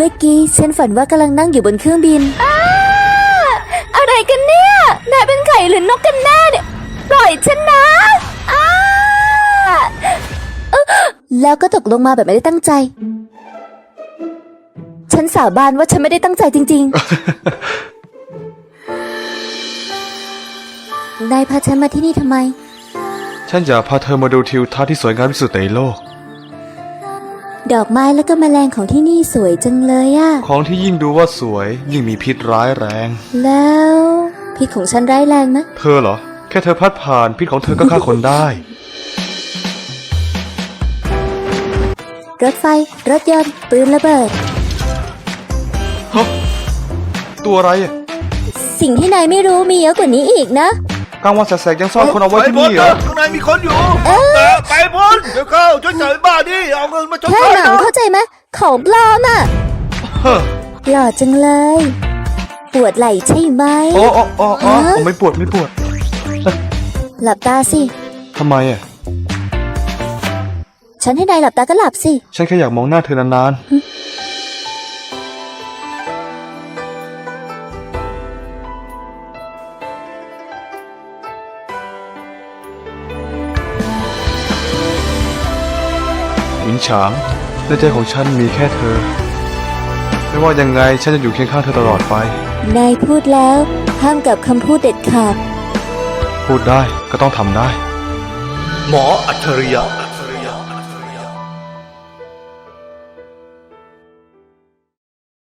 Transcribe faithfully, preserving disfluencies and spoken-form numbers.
มื่อกี้ฉันฝันว่ากำลังนั่งอยู่บนเครื่องบินอะไรกันเนี่ยนายเป็นไข่หรือนกกันแน่เนี่ยปล่อยฉันนะแล้วก็ตกลงมาแบบไม่ได้ตั้งใจฉันสาบานว่าฉันไม่ได้ตั้งใจจริงๆ นายพาฉันมาที่นี่ทำไมฉันอยากพาเธอมาดูทิวทัศน์ที่สวยงามที่สุดในโลกดอกไม้แล้วก็แมลงของที่นี่สวยจังเลยอะของที่ยิ่งดูว่าสวยยิ่งมีพิษร้ายแรงแล้วพิษของฉันร้ายแรงไหมเธอเหรอแค่เธอพัดผ่านพิษของเธอก็ฆ่าคนได้รถไฟรถยนต์ปืนระเบิดฮะตัวอะไรอ่ะสิ่งที่นายไม่รู้มีเยอะกว่านี้อีกนะกลางวันแสกๆยังซ่อนคนเอาไว้ที่นี่เหรอข้างในมีคนอยู่แต่ไปพ้นเดี๋ยวเข้าช่วยจ่ายบ้านนี่เอาเงินมาชดใช้แค่หนังเข้าใจไหมของปลอมอ่ะหล่อจังเลยปวดไหล่ใช่ไหมอ๋ออ๋ออ๋อไม่ปวดไม่ปวดหลับตาสิทำไมอ่ะฉันให้นายหลับตาก็หลับสิฉันแค่อยากมองหน้าเธอนานๆหวินฉางในใจของฉันมีแค่เธอไม่ว่ายังไงฉันจะอยู่เคียงข้างเธอตลอดไปนายพูดแล้วห้ามกับคำพูดเด็ดขาดพูดได้ก็ต้องทำได้หมออัจฉริยะ